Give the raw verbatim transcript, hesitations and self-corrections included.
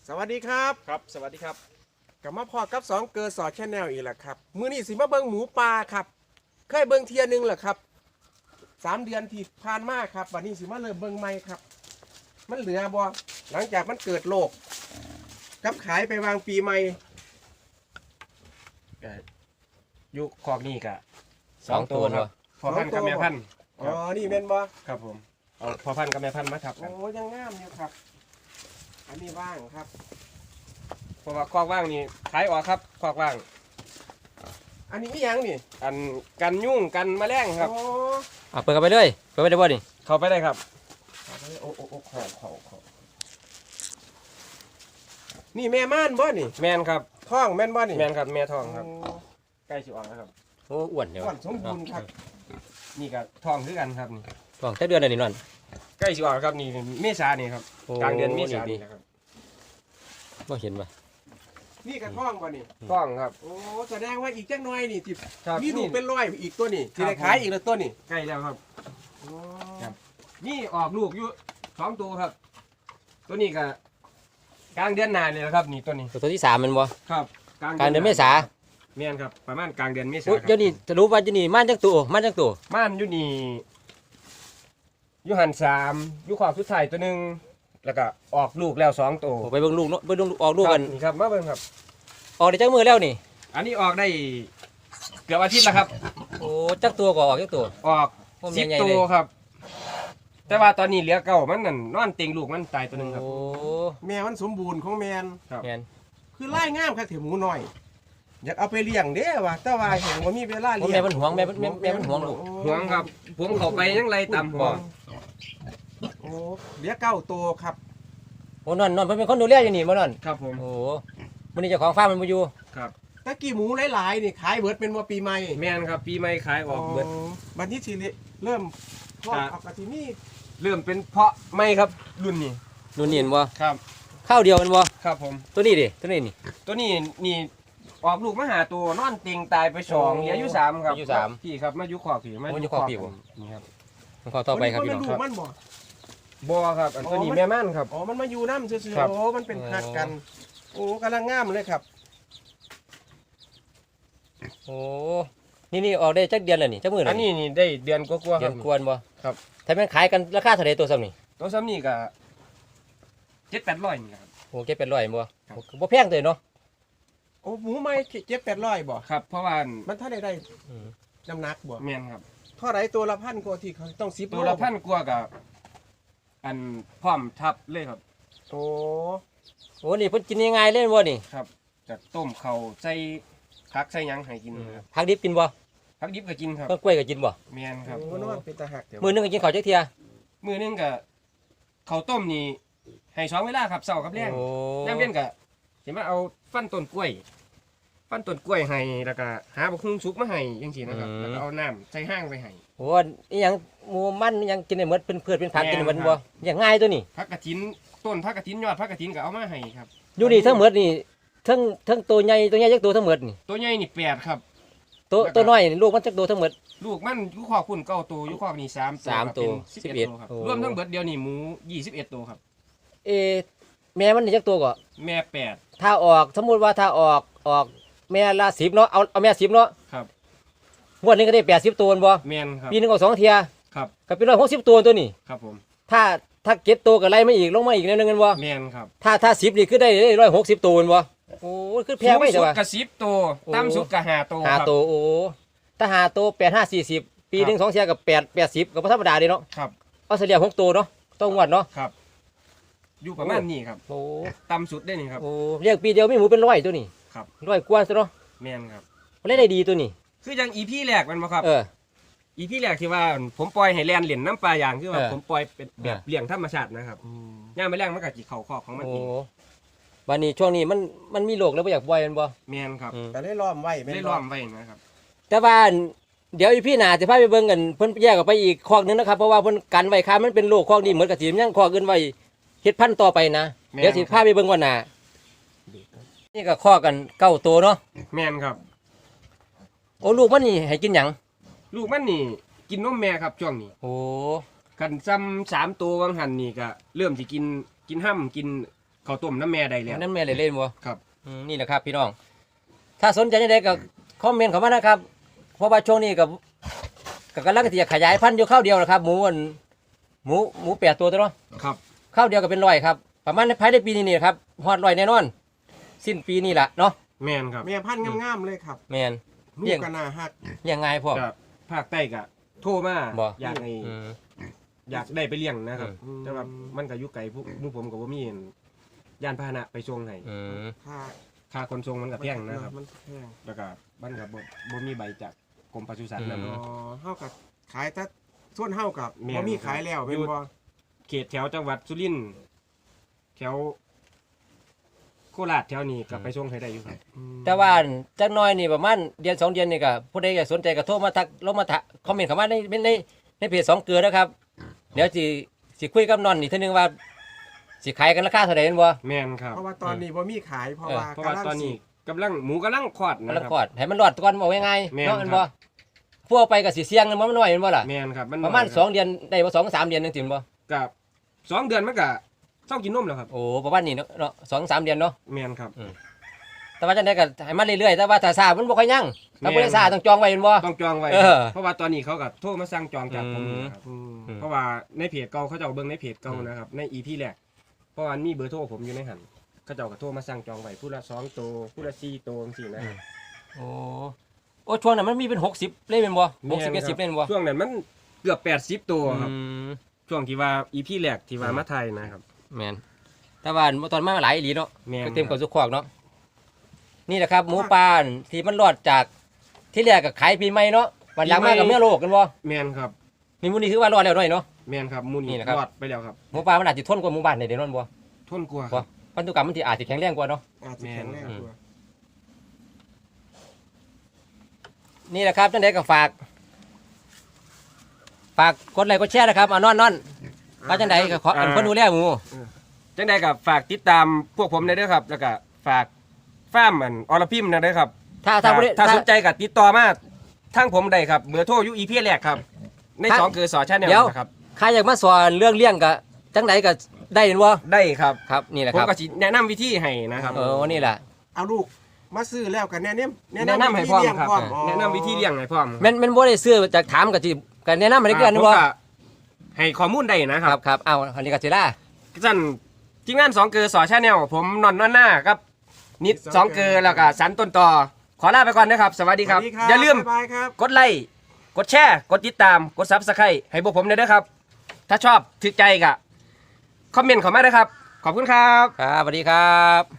สวัสดีครับครับสวัสดีครับกลับมาพอกับสองเกอร์สอดแชนแนลอีกแล้วครับมื้อนี้สิมาเบิ่งหมูปลาครับเคยเบิ่งเทียนึงเหรอครับสามเดือนที่ผ่านมาครับวันนี้สิมาเริ่มเบิ่งใหม่ครับมันเหลือบ่หลังจากมันเกิดโรคกับขายไปวางปีใหม่ก็อยู่คอกนี่กะสองตัวครับพอพันธุ์กับแม่พันธุ์อ๋อนี่แม่นบ่ครับผมเอาพอพันธุ์กับแม่พันธุ์มาทับกันโอ้ยังงามอยู่ครับอันนี้ว่างครับเพราะว่าคอกว่างนี่ขายออกครับคอกว่างอันนี้อีหยังนี่อันกันยุ่งกันแมลงครับโอ้อ่ะเปิดเข้าไปเลยเปิดไปได้บ่นี่เข้าไปได้ครับโอ้โอ้โอ้ขอขอขอนี่แม่ม่านบ่นี่แมนครับท้องแม่นบ่นี่แมนครับแม่ทองครับโใกล้สิออกแล้วครับโอ้อ้วนเดี๋ยวก่อนสมบูรณ์ครับนี่ก็ทองคือกันครับนี่ท้องแค่เดือนอะไรนี่นั่นใกล้สิออกแล้วครับนี่เมษานี่ครับโอ้กลางเดือนเมษาดีนี่นะครับบ่เห็นป่ะนี่กระท้องบ่นี่ทองครับโอ้แสดงว่าอีกจักหน่อยนี่ที่ครับมีลูกเป็นร้อยอีกตัวนี่ครัที่บได้ขายอีกแล้วตัวนี่ใกล้แล้วครับโอ้ครับ นี่ออกลูกอยู่สองตัวครับ ตัวนี้ก็กลางเดือนหน้าเลยนะครับ นี่ตัวนี้ตัวตัวที่สามมันบ่ครับกลางเดือนเมษาเมียนครับประมาณกลางเดือนเมษาโอ้ยคเดี๋รัยวนี้จะรู้ว่าจะนี่ม่านจังตัวม่านจังตัวม่านอยู่นี่อยู่หันสามอยู่ขอบสุดท้ายตัวหนึ่งแล้วก็ออกลูกแล้วสองตัวโอ้ไปเบิ่งลูกเนาะไปเบิ่งลูกออกลูกกันครับนี่ครับมาเบิ่งครับออกได้จักมือแล้วนี่อันนี้ออกได้เกือบอาทิตย์แล้วครับโอ้จักตัวก็ออกจักตัวออกโอ้สิบใหญ่ๆตัเลวย ครับ แต่ว่าตอนนี้เหลือเก้ามันนั่นนอนเต็งลูกมันตายตัวหนึ่งครับโอ้แม่มันสมบูรณ์ของแมนครับแม่นคือไล่งามครับถือหมูน้อย อยากเอาไปเลี้ยงเด้ว่ะแต่ว่าเห็นว่ามีเวลาโอ้เลี้ยงแม่มันหวงแม่มันแม่แม่มันหวงลูกห่วงครับผมเข้าไปยังไรตามห่วงโอ้เหลือเก้าตัวครับโอ้นอนนอนเพิ่นเป็นคนดูแลอยู่นี่บ่นอนครับผมโอ้มื้อนี้เจ้าของฟาร์มมันบ่อยู่ครับตะกี้หมูหลายๆนี่ขายเบิดเป็นว่าปีใหม่แม่นครับปีใหม่ขายออกเบิดบัดนี้สิเริ่มพอกครับออกกะทินี่เริ่มเป็นเพาะไม่ครับรุ่นนี้นู่นนี่เห็นบ่ครับข้าวเดียวมันบ่ครับผมตัวนี้ดิตัวนี้นี่ตัวนี้นี่ออกลูกมาหาตัวนอนเต็งตายไปสองเหลืออยู่สามครับอยู่สามพี่ครับมาอยู่ขอบพี่มาโอ้อยู่ขอบพี่บ่นี่ครับขอต่อไปครับพี่น้องมันลูกมันบ่บัวครับอันตัวนี้อ๋อมันแม่ม่านครับอ๋อมันมาอยู่น้ำซื่อครับๆโอ้มันเป็นคัดกัน โอ้กำลังงามเลยครับโอ้ นี่นี่ออกได้จักเดือนแล้วนี่จักมื้ออัแล้วนนี้นี่ได้เดือนกว่าๆคเดืรัอบ นกวนบ่ครับถ้าแม่นขายกันราคาเท่าใดตัวซ้ำนี่ตัวซ้ำนี่ก็เจ็ดแปดร้อยนี่ครับโอ้เก็บเป็นร้อยบ่ครับโอ้บ่แพงเลยเนาะโอ้หมูไม่เจ็ดแปดร้อยบ่ครับ เพราะว่ามันถ้าได้ได้อืมน้ำหนักบ่แม่นครับเท่าไรตัวละพันกว่าที่เขาต้องซิปตัวละพันกว่ากับอันพร้อมทับเลยครับโอ้โอ้นี่เพิ่นกินยังไงเล่นบ่นี่ครับจะต้มเขาวใส่ผักใส่หยังให้กินครับผักดิบกินบ่ผักดิบก็กินครับต้นกล้วยก็กินบ่แม่นครับโอ้นอนเป็นตาหักเดี๋ยวมื้อหนึงก็กินข้าวจักเที่ยมือหนึงก็ข้าวต้มนี่ให้สองเวลาครับเช้ากับแลงโอ้ย่ำเย็นก็สิมาเอาฟันต้นกล้วย ฟันต้นกล้วยให้แล้วก็หาบักฮุ่งสุกมาให้จังซี่นะครับแล้วก็เอาน้ำใส่ห้างไปให้โหอีหยังหมูมันอีหยังกินได้หมดเป็นพืชเป็นผักแม่นกินได้หมดครับบ่อย่างง่ายตัวนี้ผักกระถินต้นผักกระถินยอดผักกระถินก็เอามาให้ครับอยู่นี่ทั้งหมดนี่ทั้งทั้งตัวใหญ่ตัวใหญ่จักตัวทั้งหมดนี่ตัวใหญ่นี่แปดครับตัวแล้วก็ตัวน้อยนี่ลูกมันจักตัวทั้งหมดลูกมันอยู่คอกคุณเก้าตัวอยู่คอกนี่สามตัวสามครับตัวเป็นสิบสิบเอ็เอ็ดดตัวครับโอ้รวมทั้งเบิดเดียวนี่หมูยี่สิบเอ็ดตัวครับเอะแม่มันนี่จักตัวก็แม่แปดถ้าออกสมมุติว่าถ้าออกออกแม่ละสิบเนาะเอาเอาแม่สิบเนาะครับงวดหนึงก็ได้แปดสิบตัวบ่แม่นครับปีหนึงก็สองเที่ยครับก็เป็นร้อยหกสิบตัวตัวนี้ครับผมถ้าถ้าเก็บตัวก็ไล่มาอีกลงมาอีกแนวนึงกันบ่แม่นครับถ้าถ้าสิบนี่คือได้ร้อยหกสิบตัวแม่นบ่โอ้ยคือแพงไปสูใช่งสุดป่ะกระสิบตัวโอ้ต่ำสุดกระห้าตัวห้าครับตัวโอ้ถ้าห้าตัวแปดห้าสี่สิบปีหนึ่งสองเที่ยกับแปดแปดสิบก็บ่ธรรมดาเด้เนาะครับเอาเฉลี่ยหกตัวเนาะต้องงวดเนาะครับ อยู่ประมาณนี้ครับโอ้ต่ำสุดได้นี่ครับโอ้เรียกปีเดียวมีหมูเป็นร้อยตัวนี้ครับร้อยกว่าซะเนาะแม่นครับมันได้ดีตัวนี้คือยังอีพี่แรกมันบ่ครับเอออีพี่แรกที่ว่าผมปล่อยให้แลนเหรียญน้ำปลาอย่างคือว่าเออผมปล่อยเป็นแบบเออเลี้ยงธรรมชาตินะครับอืมย่ามไปแรงมันก็จิเข่าคอกของมันโอ้เองวันนี้ช่วงนี้มันมันมีโรคแล้วบ่อยากปล่อยมันบ่แม่นครับอืมก็ได้ล้อมไว้แม่นได้บ่ล้อมไว้นะครับแต่ว่าเดี๋ยวอีพี่หนาจะพาไปเบิ่งกันเพิ่นแยกออกไปอีกคอกหนึงนะครับเพราะว่าเพิ่นกันไว้ค้ามันเป็นโรคคอกนี้เหมือนกับสิมันยังคอกอื่นไว้เฮ็ดพันธุ์ต่อไปนะแม่นเดี๋ยวสิพาไปเบิ่งวันหน้านี่ก็คอกกันเก้าตัวเนาะแม่นครับโอ้ลูกมันนี่ให้กินหยังลูกมันนี่กินนมแม่ครับช่วงนี้โอ้คันซ้ำสามตัววังหันนี่ก็เริ่มสิกินกินห้ำกินข้าวต้มน้ำแม่ได้แล้วนั่นแม่เลยเล่นบ่ครับอืมนี่แหละครับพี่น้อง ถ้าสนใจยังไงก็คอมเมนต์เข้ามานะครับ เพราะว่าช่วงนี้กับกับกำลังที่จะขยายพันธุ์อยู่ข้าวเดียวนะครับ หมูอันหมูหมูแปดตัวตัวเนาะครับข้าวเดียวก็เป็นร้อยครับ ประมาณในภายในปีนี้นี่ครับฮอดร้อยแน่นอน สิ้นปีนี้ล่ะเนาะแม่นครับแม่พันธุ์งามๆเลยครับแมนลูเลี้กยงกันนาฮักเลี้ยงง่ายพ่อก็ภาคใต้ก็โทรมาบ่อยากให้อืมอยากได้ไปเลี้ยงนะครับอืมแต่ว่ามันก็อยู่ไกลพวกหมู่ผมก็บ่มียานพาหนะไปส่งให้อืมค่าค่าขนส่งมันก็แพงนะครับมันแพงแล้วก็มันก็บ่บ่มีใบจากกรมปศุสัตว์อืมนะอ๋อเฮากับขายแต่ส่วนเฮากับแม่นบ่มีขายแล้วเป็นบ่เขตแถวจังหวัดสุรินทร์แถวโคราชแถวนี้ก็ไปส่งให้ได้อยู่ครับแต่ว่าจักหน้อยนี่ประมาณเดือนสองเดือนนี่ก็ผู้ใดอยากสนใจก็โทรมาทักลงมาทักคอมเมนต์เข้ามาในในในเพจสองเกลือนะครับ เดี๋ยวสิสิคุยกับนอนอีกเทีนึงว่าสิขายกันราคาเท่าไหร่แม่นบ่แม่นครับเพราะว่าตอนนี้บ่มีขายเพราะเออว่าเพราะว่าตอนนี้กำลังหมูกำลังคลอดมันนะละครับคอดให้มันรอดก่อนบอกง่ายแม่ๆนเนาะแม่นครับ่บพวกเอาไปก็สิเสี่ยงมันบ่น้อยแม่นบ่ล่ะแม่นครับมันประมาณน้ยคบสองเดือนได้บ่สองสามเดือนนึงสิแม่นบ่กับสองเดือนมันก็เศร้ากินนมแล้วครับโอ้ประมาณนี้เนาะเนาะสองสามเดือนเนาะแม่นครับแต่ว่าจังได๋ก็ให้มันเรื่อยๆแต่ว่าถ้าซ่ามันบ่ค่อยยั่งถ้าบ่ได้ซ่าต้องจองไว้แม่นบ่ต้องจองไว้เออเพราะว่าตอนนี้เขาก็โทรมาสั่งจองจากผมอืมนะครับอืมอืมเพราะว่าในเพจเก่าเขาจะเอาเบิ่งในเพจเก่าอืมนะครับในอีพีแรกเพราะว่ามีเบอร์โทรผมอยู่ในหันเขาเจ้าก็โทรมาสั่งจองไว้ผู้ละสองตัวผู้ละสี่ตัวจังซี่นะครับโอ้โอ้ช่วงนั้นมันมีเป็นหกสิบเลยแม่นบ่หกสิบแม่นครับเจ็ดสิบเลยแม่นบ่ช่วงนั้นมันเกือบแปดสิบตัวครับอืมช่วงที่ว่าอีพีแรกที่ว่าอืมมาไทยนะครับแม่นแต่ว่าตอนมาหลายอีหลีเนาะแม่นก็เต็มคกัรับบ สุขคอกเนาะนี่แหละครับหมูป่าที่มันรอดจากที่แรกก็ขายปีใหม่เนาะวันหลังมากับเมื่อโลกกันบ่แม่นครับนี่หมูนี่คือว่ารอดแล้วหน่อยเนาะแม่นครับหมูนี่นี่นะครับรอดไปแล้วครับหมูป่ามันอาจจะทนกว่าหมู่บ้านในเดี๋ยวนั้นบ่ทนกลัวาบ่พันธุกรรมมันที่อาจจะแข็งแรงกว่าเนาะอาจจะแข็งแรงอืมกว่านี่แหละครับจังไดก็ฝาก ฝากกดไลค์กดแชร์นะครับอ่ะนอนนอนว่าจังไดก็ขออันคนดูแลหมูจังใดกับฝากติดตามพวกผมได้ด้วยครับ แล้วก็ฝากฟ้าร์มอันอรพิมพ์นะด้วยครับถ้าถ้าถ้าบ่ได้ถ้าถ้าสนใจกับติดต่อมาทางผมได้ครับเบอร์โทรอยู่อีพีแรกครับ ในถ้าสองคือสอชาแนลเดี๋ยวนะครับใครอยากมาสอนเรื่องเลี้ยงก็จังไดก็ได้เห็นบ่ได้ครับครับนี่แหละผคมรับก็สิแนะนำวิธีให้นะครับเออนี่แหละเอาลูกมาซื้อแล้วกันแนะนำแนะนำให้พร้อมวิธีเลี้ยงครับพร้อมแนะนำวิธีเลี้ยงให้พร้อมแม่นแม่นบ่ได้ซื้อจากถามก็สิก็แนะนำให้ได้เกินผมบ่ก็ให้ข้อมูลได้นะคครัรับบครับเอาอันนี้ก็สิล่าสั่นทีมงานสองเกอร์สอชาแนลผมนอนนอนหน้าครับ นิดสองเกอร์แล้วก็สันต้นต่อขอลาไปก่อนนะครับ สวัสดีครับสวัสดีครับอย่าลืมบ๊ายบายครับกดไลค์กดแชร์กดติดตามกดซับสไครต์ให้พวกผมด้วยนะครับ ถ้าชอบถึกใจก็คอมเมนต์เข้ามาด้วยครับ ขอบคุณครับครับสวัสดีครับ